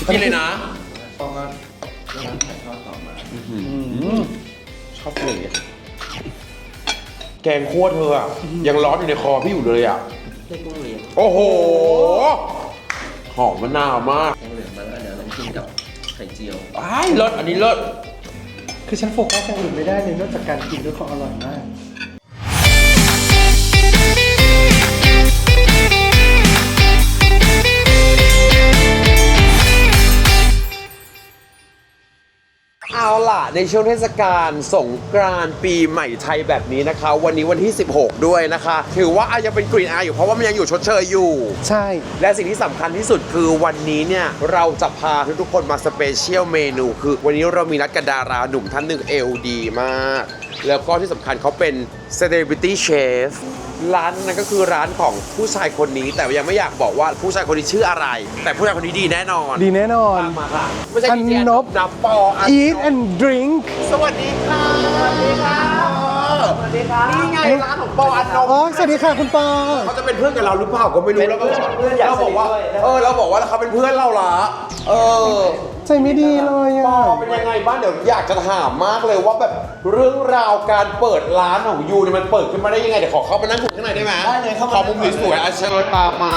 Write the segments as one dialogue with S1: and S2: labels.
S1: กินเลยนะ
S2: พอก็ร้านถ่ายทอดต่อมา
S1: ชอบเลยแกงคั่วเธออะยังร้อนอยู่ในคอพี่อยู่เลยอ่ะ
S2: ได้กุ้งเหลือง
S1: โอ้โห หอมมะนาวมาก
S2: กุ้งเหลืองมาแล้วเดี๋ยวลองกินกับไข่เจียว
S1: อ้ายเลิศอันนี้เลิศ
S3: คือฉันโฟกัสอย่างอื่นไม่ได้เลยนอกจากการกินด้วยความอร่อยมาก
S1: เอาล่ะในช่วงเทศกาลสงกรานต์ปีใหม่ไทยแบบนี้นะคะ วันนี้วันที่ 16 ด้วยนะคะ ถือว่ายังเป็นกรีนอาอยู่เพราะว่ามันยังอยู่ชดเชยอยู่
S3: ใช่
S1: และสิ่งที่สำคัญที่สุดคือวันนี้เนี่ย เราจะพาทุกๆคนมาสเปเชียลเมนูคือวันนี้เรามีนัดกับดาราหนุ่มท่านหนึ่งเอลดีมาก แล้วก็ที่สำคัญเขาเป็น Celebrity Chef ร้านนั้นก็คือร้านของผู้ชายคนนี้ แต่ยังไม่อยากบอกว่าผู้ชายคนนี้ชื่ออะไร แต่ผู้ชายคนนี้ดีแน่นอน
S3: ดีแน่นอน
S1: ตามมาค่ะไม่ใช่
S3: อันนบ
S1: นับปออันนบ
S3: Eat and Drink
S1: สวัสดีค่ะสวัสดีค่ะสวัสดีค่ะนี่ไงร้านของปออันนบ
S3: อ๋อสวัสดีค่ะคุณปอ
S1: เขาจะเป็นเพื่อนกับเราหรือเปล่าก็ไม่รู้แล้วก็
S2: เพื่อนอยาก
S1: เราบอกว่า
S2: สนิทด้วย
S1: เราบอกว่าเขาเป็นเพื่อนเราละเออ
S3: ใจไม่ดีเลย
S1: ป
S3: อ่ะ
S1: อเป็นยังไงบ้างเดี๋ยวอยากจะถามมากเลยว่าแบบเรื่องราวการเปิดร้านของยูเนี่ยมันเปิดขึ้นมาได้ยังไงเดี๋ยวขอเข้าไปนั่งคุยข้างในได้ไหม
S2: ได้เลยเข้ามา
S1: ขอมุมสวยๆอาเชิญตามมา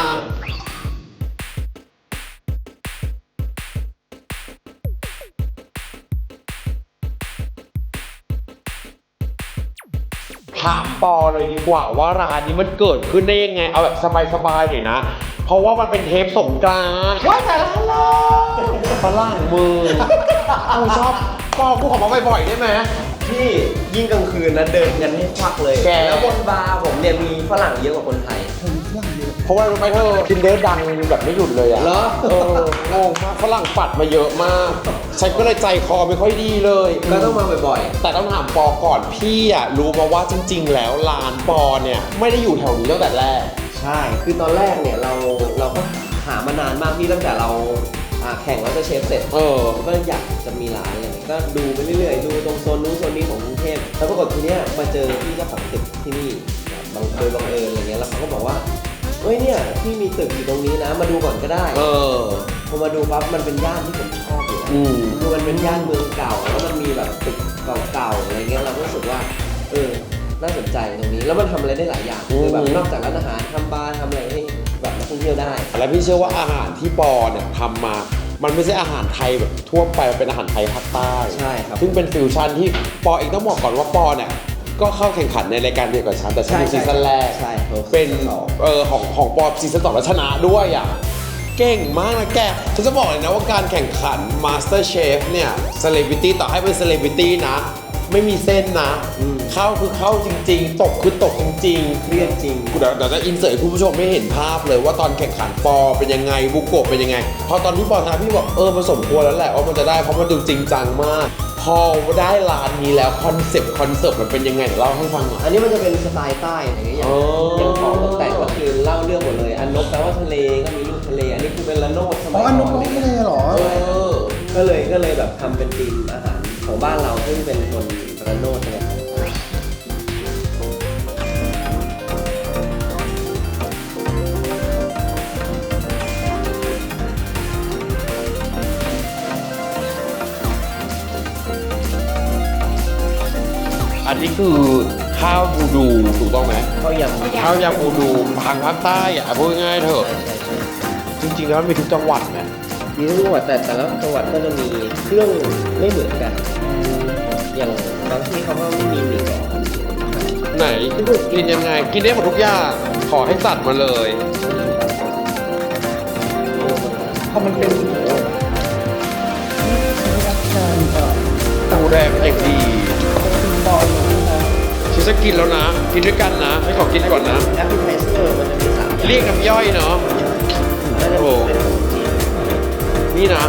S1: ถามปอเลยดีกว่าว่าร้านนี้มันเกิดขึ้นได้ยังไงเอาแบบสบายๆหน่อยนะ เพราะว่ามันเป็นเทปสงกรานต์ว่าแต่ละร้านฝรั่งมือกูชอบปอกูขอมาบ่อยๆได้ไหม
S2: ที่ยิ่งกลางคืนนะเดินกันให้ควักเลย
S1: แก
S2: แล้วบนบาร์ผมเนี่ยมีฝรั่งเยอะกว่าคนไทย
S1: เพราะว่ารู้ไหมเธอทินเดอร์ดังแบบไม่หยุดเลยอะ
S2: เหรอ
S1: งงมากฝรั่งปัดมาเยอะมากฉันก็เลยใจคอไม่ค่อยดีเลย
S2: ก็ต้องมาบ่อย
S1: แต่ต้องถามปอก่อนพี่อะรู้มาว่าจริง ๆ แล้วร้านปอเนี่ยไม่ได้อยู่แถวนี้ตั้งแต่แรก
S2: ๆ ใช่ คือตอนแรกเนี่ยเราก็หามานานมากพี่ตั้งแต่เราแข่งแล้วจะเชฟเสร็จ ก็อยากจะมีร้านอะไรเงี้ยก็ดูไปเรื่อยๆ ดูตรงโซนนู้นโซนนี้ของกรุงเทพแล้วปรากฏทีเนี้ยมาเจอพี่เจ้าของตึกที่นี่โดยบังเอิญอะไรเงี้ย แล้วเขาก็บอกว่าเอ้ยเนี่ยพี่มีตึกอยู่ตรงนี้นะ มาดูก่อนก็ได้ พอมาดูปั๊บมันเป็นย่านที่ผมชอบอยู่แล้วคือมันเป็นย่านเมืองเก่า แล้วมันมีแบบตึกเก่าๆอะไรเงี้ย เราก็รู้สึกว่าน่าสนใจตรงนี้ แล้วมันทำอะไรได้หลายอย่าง คือแบบนอกจากร้านอาหารทำบาร์ทำอะไรให้แบบนักท่องเที่ยวได้
S1: และพี่เชื่อว่าอาหารที่ปอเนี่ยทำมา มันไม่ใช่อาหารไทยแบบทั่วไปมันเป็นอาหารไทยภาคใต้
S2: ใช่ครับ
S1: ซึ่งเป็นฟิวชั่นที่ปอเองต้องบอกก่อนว่าปอเนี่ยก็เข้าแข่งขันในรายการเดียวกับฉันแต่ฉันเป็นซีซั่นแรก
S2: ใช่ครับ
S1: เป็น
S2: ซีซั่นสอง
S1: ของปอซีซั่น2แล้วชนะด้วยอ่ะเก่งมากนะแกฉันจะบอกเลยนะว่าการแข่งขัน Master Chef เนี่ย Celebrity ต่อให้เป็น Celebrity นะไม่มีเส้นนะเข้าคือเข้าจริงๆตกคือตกจริงๆ
S2: เครียดจริง
S1: เดี๋ยวจะอินเสิร์ตให้คุณผู้ชมไม่เห็นภาพเลยว่าตอนแข่งขันปอเป็นยังไงบุโกะเป็นยังไง พอตอนที่ปอชนะพี่บอกมันสมควรแล้วแหละว่ามันจะได้เพราะมันดูจริงจังมาก พอได้ร้านนี้แล้วคอนเซปต์มันเป็นยังไงเดี๋ยวเล่าให้ฟังหน่อย
S2: อันนี้มันจะเป็นสไตล์ใต้อะไรเงี้ยอย่างของตกแต่งก็คือเล่าเรื่องหมดเลย อันนกแปลว่าทะเลก็มีรูปทะเล อันนี้คือเป็นละโนดส
S3: อ๋
S2: มั
S3: อย อันน
S2: ก่
S3: บ
S2: อน
S3: ไม่เลยเหรอ
S2: ก็เลยแบบทำเป็นธีมอาหารของบ้านเราซึ่งเป็นคนระโนดเนี่ย
S1: อันนี้คือข้าวบูดูถูกต้องไหม
S2: ข้าวยำ
S1: ข้าวยำบูดูทางภาคใต้อ่ะพูดง่ายๆเถอะจริงๆแล้วมันมีทุกจังหวัดนะ
S2: มีทุกจังหวัดแต่ละจังหวัดก็จะมีเครื่องไม่เหมือนกัน อย่างบางที่เขาก็ไม่มีหมี่กรอบ
S1: ไหนกินยังไงกินได้หมดทุกอย่างขอให้จัดมาเลย
S3: พอมันเป็นรับการ
S1: ตูแดงเอกดี
S3: บอลนะ
S1: ฉันจะกินแล้วนะ กินด้วยกันนะ ให้ขอกินก่อนนะ
S2: แอปเปิลไทเซอร์มันจะมี3อย่าง
S1: เรียกน้ำย่อยเนาะ
S2: น่าจะเป็นขนมจีน
S1: นี่นะ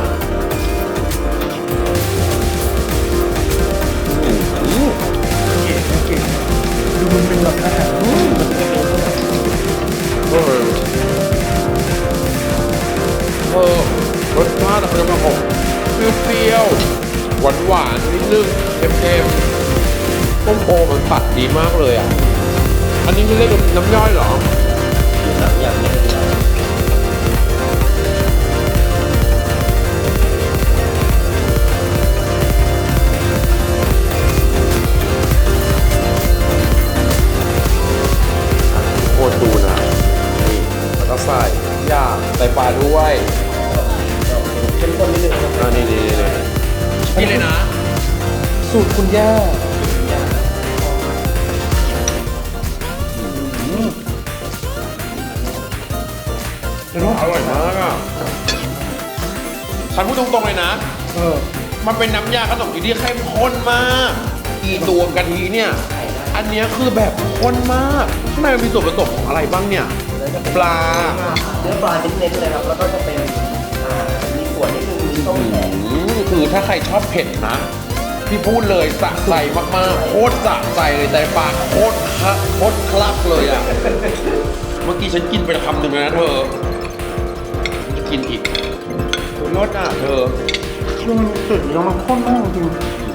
S1: อืม
S3: เก๋ดูมันเป็นแบบอาหาร
S1: รสชาติมันจะมาออกเปรี้ยวๆหวานๆนิดนึงเค็มๆต้มโอมันตัดดีมากเลยอ่ะ อันนี้ที่เรียกน้ำย่อยเหรอ
S2: มี3อย่างเลย
S1: ด้วย
S2: เข้มข้นนิดนึงครับ
S1: นี่กินเลยนะ
S3: สูตรคุณย่าเดี๋ยว
S1: อร่อยมากอ่ะฉันพูดตรงๆเลยนะ
S3: เออ
S1: มันเป็นน้ำยาขนมจีนที่เข้มข้นมากอีตัวกะทิเนี่ย อันเนี้ยคือแบบข้นมาก ข้างในมันมีส่วนผสมของอะไรบ้างเนี่ย ปลา
S2: เนื้อปลาเน้นๆเลยครับแล้วก็จะเป็นมีขวดนิดนึงมีต้มแขก
S1: คือถ้าใครชอบเผ็ดนะพี่พูดเลยสะใจมากๆ โคตรสะใจเลยแต่ปากโคตรคลักเลยอ่ะ เมื่อกี้ฉันกินไปคำหนึ่งแล้วนะเธอจะกินอีกรสอ่ะเธอ
S3: คือมันสุดแล้วมันข้นมากจริง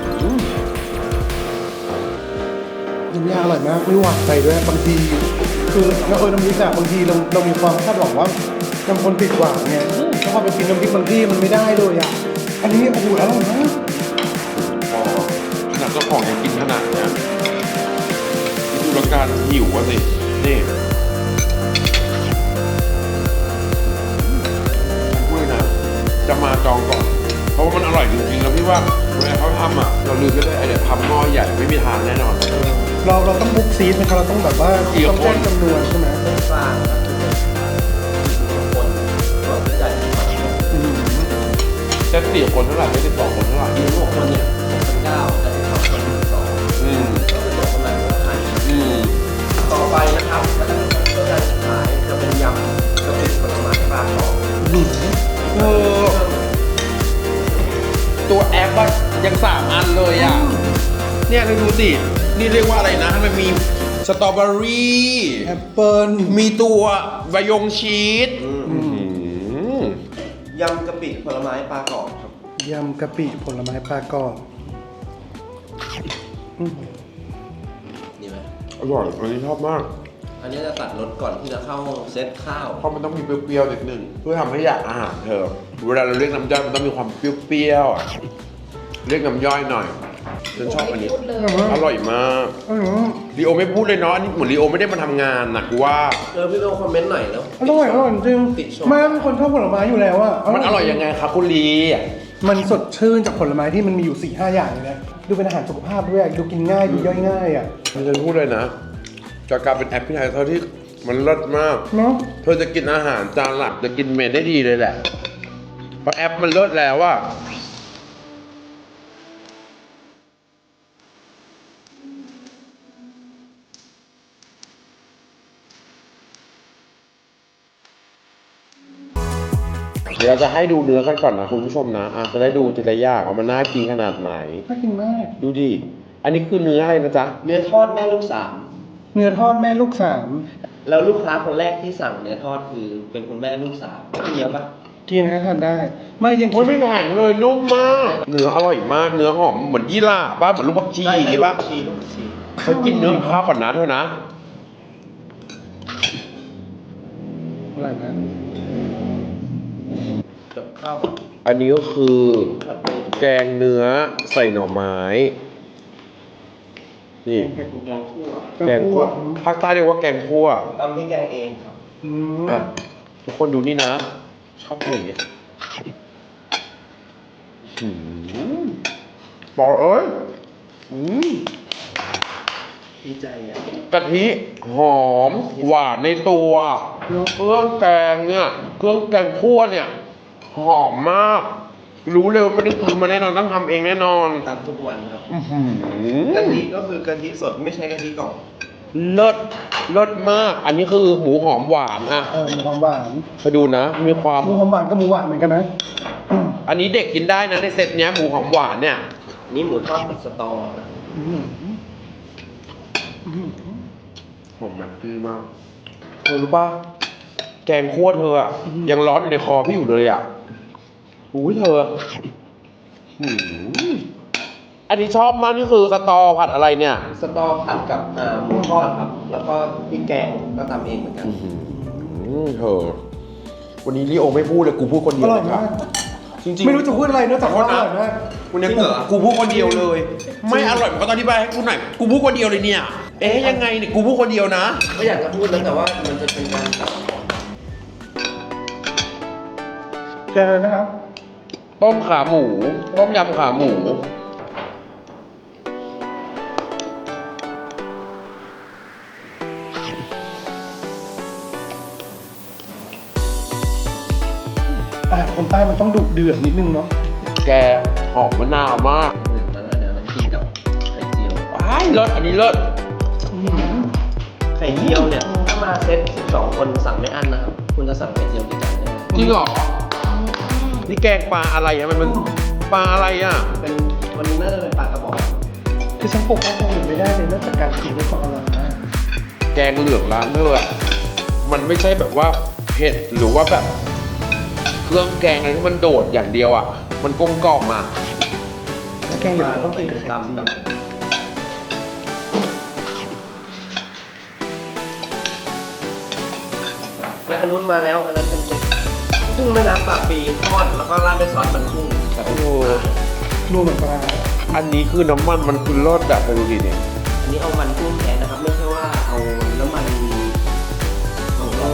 S3: น้ำยาอร่อยมากไม่หวานไปด้วยบางทีคือเราน้ำพริกอะบางทีเรามีความคาดหวังว่าน้ำคนติดหวานไงแล้วพอไปกินน้ำพริกบางที่มันไม่ได้เลยอ่ะอันนี้โอ้โหอร่อยมาก
S1: อ๋อขนาดเจ้าของยังกินขนาดเนี้ยดูแล้วการหิวอ่ะสิ นี่ฉันพูดเลยนะ จะมาจองก่อน เพราะว่ามันอร่อยจริงๆ แล้วพี่ว่าเวลาเขาทำอ่ะ เราลืมไม่ได้ไอเดียทำหม้อใหญ่ไม่มีทางแน่นอน
S3: เราต้องบุ๊กซีดไหมครับเราต้องแบบว่า
S1: กี่
S3: ต้อง
S1: คน
S3: แจ้งจำนวนใช่ไหม
S2: ปลาครับคนก็ใหญ่
S1: จะ4 คนเท่าไหร่ไม่12 คนเท่าไหร่
S2: มี6คนเนี่ย6,900แต่ที่เขาคน2
S1: อืม
S2: ก็คือตัวคนไหนก็ขาย
S1: อืม
S2: ต่อไปนะครับก็จะเป็นตัวการสุดท้ายจะเป็นยำกะปิผลไม้ปลาทอง
S1: เออตัวแอปอะยัง3 อันเลยอ่ะ เนี่ยเราดูสิ นี่เรียกว่าอะไรนะ มันมีสตรอเบอรี่
S3: แอปเปิล
S1: มีตัววายงชีส
S2: ยำกะปิผลไม้ปลากรอบครับ
S3: ยำกะปิผลไม้ปลากรอบ
S2: นี่ไหม
S1: อร่อย อันนี้ชอบมาก
S2: อันนี้จะตัดรสก่อนที่จะเข้าเซตข้าว
S1: เพราะมันต้องมีเปรี้ยวๆนิดนึงเพื่อทำให้อยากอาหารเธอ เวลาเราเรียกน้ำย่อยมันต้องมีความเปรี้ยวๆอะเรียกน้ำย่อยหน่อยฉันชอบอันนี้ อร่อยมากลีโอไม่พูดเลยเนาะอันนี้เหมือนลีโอไม่ได้มาทำงานนะกูว่า
S2: พี่ต้องคอมเมนต์หน่อยแล้ว
S3: อร่อยจริง
S2: ติดชม
S3: แม่เป็นคนชอบผลไม้อยู่แล้วอะ
S1: มันอร่อยยังไงครับคุณลี
S3: มันสดชื่นจากผลไม้ที่มันมีอยู่ 4-5 อย่างเลยนะดูเป็นอาหารสุขภาพด้วยดูกินง่ายดูย่อยง่ายอ่ะ
S1: ฉันพูดเลยนะจากการเป็นแอปพลิเคชันที่มันเลิศมาก
S3: เนาะ
S1: เธอจะกินอาหารจานหลักจะกินเมนได้ดีเลยแหละ เพราะแอปมันเลิศแล้วว่าเดี๋ยวเราจะให้ดูเนื้อกันก่อนนะคุณผู้ชมนะจะได้ดูทีละอย่างว่ามันน่ากินขนาดไหน
S3: น่ากินมาก
S1: ดูดิ อันนี้คือเนื้ออะไรนะจ๊ะ
S2: เนื้อทอดแม่ลูก
S3: เนื้อทอดแม่ลูก
S2: 3แล้วลูกค้าคนแรกที่สั่งเนื้อทอดคือเป็นคุณแม่ลูก3กินเยอะปะ
S3: 3กินนะทานได้ ไม่ยัง
S1: โอ้ยไม่แข็งเลยนุ่มมาก เนื้ออร่อยมาก เนื้อหอมเหมือนยี่หร่าป่ะเหมือนลูกผักชีอย่างงี้ป่ะ
S2: ลูกชี
S1: เขากินเนื้อข้าวก่อนนะเธอนะ
S3: อร่อยมาก
S2: กับข้าว
S1: อันนี้ก็คือ
S2: ผัดเป็น
S1: แกงเนื้อใส่หน่อไม้ นี่
S2: แกงคั่ว
S1: แกงคั่วภาคใต้เรียกว่าแกงคั่ว
S2: ทำให้แกงเองครับ
S3: อืม
S1: อ่ะทุกคนดูนี่นะ ชอบอย่างนี้บอกเอ้ย
S2: ดีใจอ่ะ
S1: กะทิหอมหวานในตัวเครื่องแกงเนี่ยเครื่องแกงคั่วเนี่ยหอมมาก รู้เลยว่าไม่ได้ทำมาแน่นอนต้องทำเองแน่นอน
S2: ตามทุกวันครับ
S1: อื้อหือก
S2: ะทิก็คือกะทิสดไม่ใช่กะทิกล่อง
S1: เลิศเลิศมาก อันนี้คือหมูหอมหวานอ่ะ
S3: หมูหอมหวาน
S1: ไปดูนะ มีความ
S3: หมูหอมหวานกับหมูหวานเหมือนกันนะ
S1: อันนี้เด็กกินได้นะในเซตเนี้ยหมูหอมหวานเนี่ย
S2: นี่หมูทอดผัดสตอนะ
S1: หอมแบบดีมากเธอรู้ป่ะแกงคั่วเธออะยังร้อนอยู่ในคอพี่อยู่เลยอ่ะอุ้ยเธอหืมอันนี้ชอบมากนี่คือสตอผัดอะไรเนี่ย
S2: สตอผัดกับหมูทอดครับ แล้วก็พริกแกงก็ทำเองเหมือนกัน
S1: เธอวันนี้ลิโอไม่พูดเลยกูพูดคนเดี
S3: อ
S1: ยว
S3: ร่อย
S1: เลยครับ
S3: มาก
S1: จริงๆ
S3: ไม่รู้จะพูดอะไรนอกจากว่าอร่อยมาก
S1: วันนี้กูพูดคนเดียวเลย ไม่อร่อยมันก็ต้องอธิบายให้กูหน่อยกูพูดคนเดียวเลยเนี่ย เอ๊ะยังไงเนี่ยกูพูดคนเดียวนะ
S2: ไม่อยากจะพูดแล้วแต่ว่ามันจะเป็นการตัด
S3: กงนะครับ
S1: ต้มขาหมู ต้มยำขาหมู
S3: คนใต้มันต้องดุเดือดนิดนึงเนาะ
S1: แกหอมมะนาวมาก
S2: แล้วเดี๋ยวเรากินกับไข่เจียว
S1: อ้ายเลิศอันนี้เลิศ
S2: ไข่เจียวเนี่ยถ้ามาเซต12 คนสั่งไม่อั้นนะครับ คุณจะสั่งไข่เจียวกี่จานได้
S1: จริงเหรอ นี่แกงปลาอะไรอ่ะมันปลาอะไรอ่ะ
S2: เป็นวันนี้น่าจะเป็นปลากระบอก
S3: คือฉันปกป้องคนอื่นไม่ได้เลยนอกจากการกินด้วยความอร่อยนะ
S1: แกงเหลืองร้านเธออะมันไม่ใช่แบบว่าเผ็ดหรือว่าแบบ เครื่องแกงอะไรที่มันโดดอย่างเดียวอ่ะ มันกลมกล่อมอ่ะ
S3: แล้วแกงอย่างนี้ต้องกินกับไข่
S2: ตำ
S3: เจี
S2: แบ
S3: ยว
S2: บและอันนู้นมาแล้วอันนั้นเป็นกุ้งแม่น้ำปากปีทอดแล้วก็ราดด้วยซอสมันกุ้งกับ
S1: โอ้โห
S3: นัวเหมือนปลา
S1: อันนี้คือน้ำมันมันคือรสแบบไปดูดิเนี่ย
S2: อันนี้เอามันกุ้งแท้นะครับ ไม่ใช่ว่าเอาน้ำมันของเรา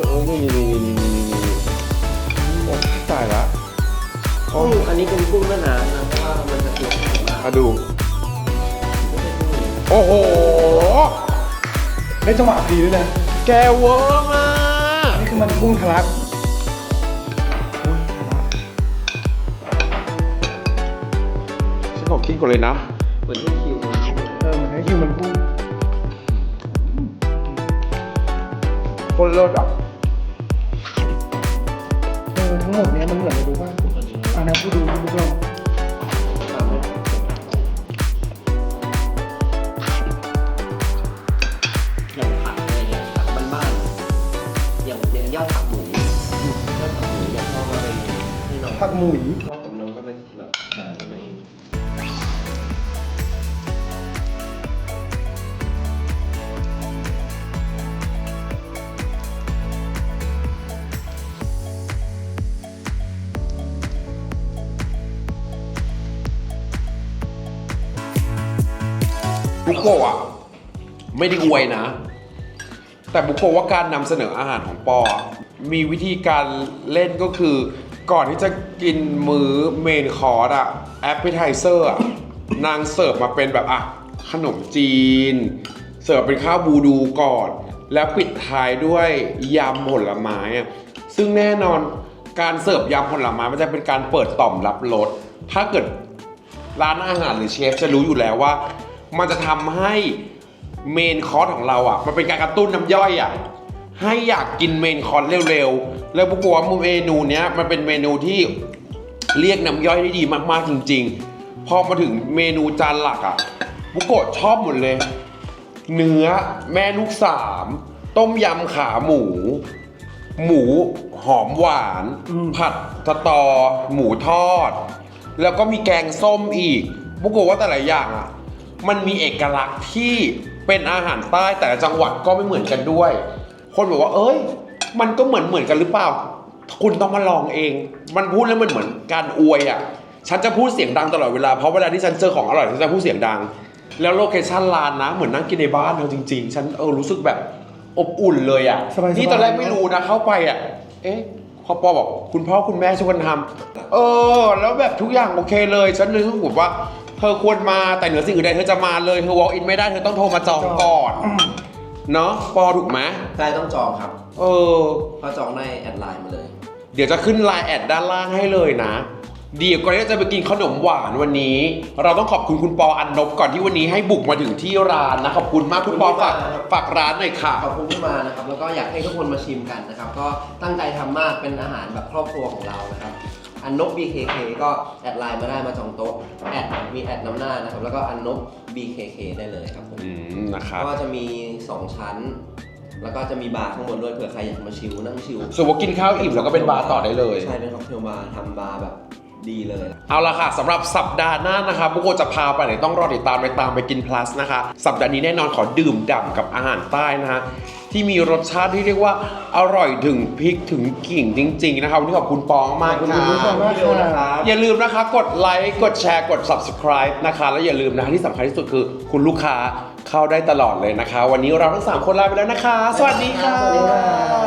S1: นี่ตายละ
S2: กุ้งอันนี้เป็นกุ้งแม่น้ำนะเพราะว่ามันจะตัวแข็งมาก
S1: มาดู
S2: ไม่ใช่กุ้ง
S1: โอ้โห
S3: ได้จังหวะดีด้วยนะ
S1: แกเวอร์มาก
S3: นี่คือมันกุ้งทะลัก
S1: ฉันขอกินก่อนเลยนะ
S2: เหมือนที่คิว
S3: เหมือนให้คิวมันกุ้ง
S1: คนเลิศอ่ะ
S3: ทั้งหมดเนี้ยมันเหมือนอะไรรู้ป่ะอันนั้นผู้ดูผู้ลอง
S2: อย่างผักอะไรเงี้ยผักบ้านๆอย่างยอดผักหมูยอดผักหมูเนี่ยพอมาเป็นให้น้อง
S3: ผักหมุย
S2: พ่อกับน้องก็เป็นแบบหาอะไร
S1: บุโกะอ่ะ ไม่ได้อวยนะ แต่บุโกะว่าการนำเสนออาหารของปออะมีวิธีการเล่นก็คือ ก่อนที่จะกินมื้อเมนคอร์สอะแอปเปไทเซอร์อะนางเสิร์ฟมาเป็นแบบอ่ะขนมจีน เสิร์ฟเป็นข้าวบูดูก่อน แล้วปิดท้ายด้วยยำผลไม้อะซึ่งแน่นอนการเสิร์ฟยำผลไม้มันจะเป็นการเปิดต่อมรับรสถ้าเกิด ร้านอาหารหรือเชฟจะรู้อยู่แล้วว่า มันจะทำให้เมนคอร์สของเราอ่ะมันเป็นการกระตุ้นน้ำย่อยอ่ะให้อยากกินเมนคอร์สเร็วๆแล้วบุกว่าเมนูเนี้ยมันเป็นเมนูที่เรียกน้ำย่อยได้ดีมากๆจริงๆพอมาถึงเมนูจานหลักอ่ะบุโกะชอบหมดเลย เนื้อแม่ลูกสามต้มยำขาหมู หมูหอมหวาน ผัดสตอ หมูทอด แล้วก็มีแกงส้มอีกบุกโกะว่าแต่ละอย่างอ่ะมันมีเอกลักษณ์ที่เป็นอาหารใต้แต่ละจังหวัดก็ไม่เหมือนกันด้วย คนบอกว่าเอ้ยมันก็เหมือนกันหรือเปล่า คุณต้องมาลองเอง มันพูดแล้วมันเหมือนการอวยอ่ะฉันจะพูดเสียงดังตลอดเวลาเพราะเวลาที่ฉันเจอของอร่อยฉันจะพูดเสียงดัง แล้วโลเคชั่นร้านนะเหมือนนั่งกินในบ้านเราจริงๆฉันรู้สึกแบบอบอุ่นเลยอ่ะ
S3: สบายๆ
S1: นี่ตอนแรกไม่รู้นะเข้าไปอ่ะเอ๊ะพอปอบอกคุณพ่อคุณแม่ช่วยกันทำแล้วแบบทุกอย่างโอเคเลยฉันเลยรู้สึกว่าเธอควรมาแต่เหนือสิ่งอื่นใดเธอจะมาเลยเธอ walk in ไม่ได้เธอต้องโทรมาจองก่อนเนาะปอถูกไหม
S2: ใช่ต้องจองครับ
S1: เออ
S2: ก็จองได้แอดไลน์มาเลย
S1: เดี๋ยวจะขึ้นไลน์แอดด้านล่างให้เลยนะ เดี๋ยวก่อนที่จะไปกินขนมหวานวันนี้ เราต้องขอบคุณคุณปออันนบก่อนที่วันนี้ให้บุกมาถึงที่ร้านนะขอบคุณมากคุณปอฝากร้านหน่อยค่ะ
S2: ขอบคุณที่มานะครับ แล้วก็อยากให้ทุกคนมาชิมกันนะครับ ก็ตั้งใจทำมากเป็นอาหารแบบครอบครัวของเรานะครับ อันนบ BKK ก็แอดไลน์มาได้มาจองโต๊ะแอดมีแอดน้ำหน้านะครับ แล้วก็อันนบ BKK ได้เลยครับผม
S1: นะครับ
S2: ก็จะมี 2 ชั้น แล้วก็จะมีบาร์ข้างบนด้วยเผื่อใครอยากมาชิลนั่งชิล
S1: ส่วนว่ากินข้าวอิ่มแล้วก็เป็นบาร์ต่อได้เลย
S2: ใช่เป็นค็อกเทลบาร์ทำบาร์แบบดีเลย
S1: เอาละค่ะสำหรับสัปดาห์หน้านะคะบุโกะจะพาไปไหนต้องรอติดตามไปกิน plus นะคะ สัปดาห์นี้แน่นอนขอดื่มด่ำกับอาหารใต้นะคะ ที่มีรสชาติที่เรียกว่าอร่อยถึงพริกถึงกิ่งจริงๆนะครับวันนี้ขอบคุณปองมาก
S3: ขอบ
S1: ค่ะ
S3: คุณผู้ชมมากค่ะ
S1: อย่าลืมนะคะกดไลค์กดแชร์กด subscribe นะคะแล้วอย่าลืมนะคะที่สำคัญที่สุดคือคุณลูกค้าเข้าได้ตลอดเลยนะคะ วันนี้เราทั้ง3คนลาไปแล้วนะคะ สวัสดีค่ะ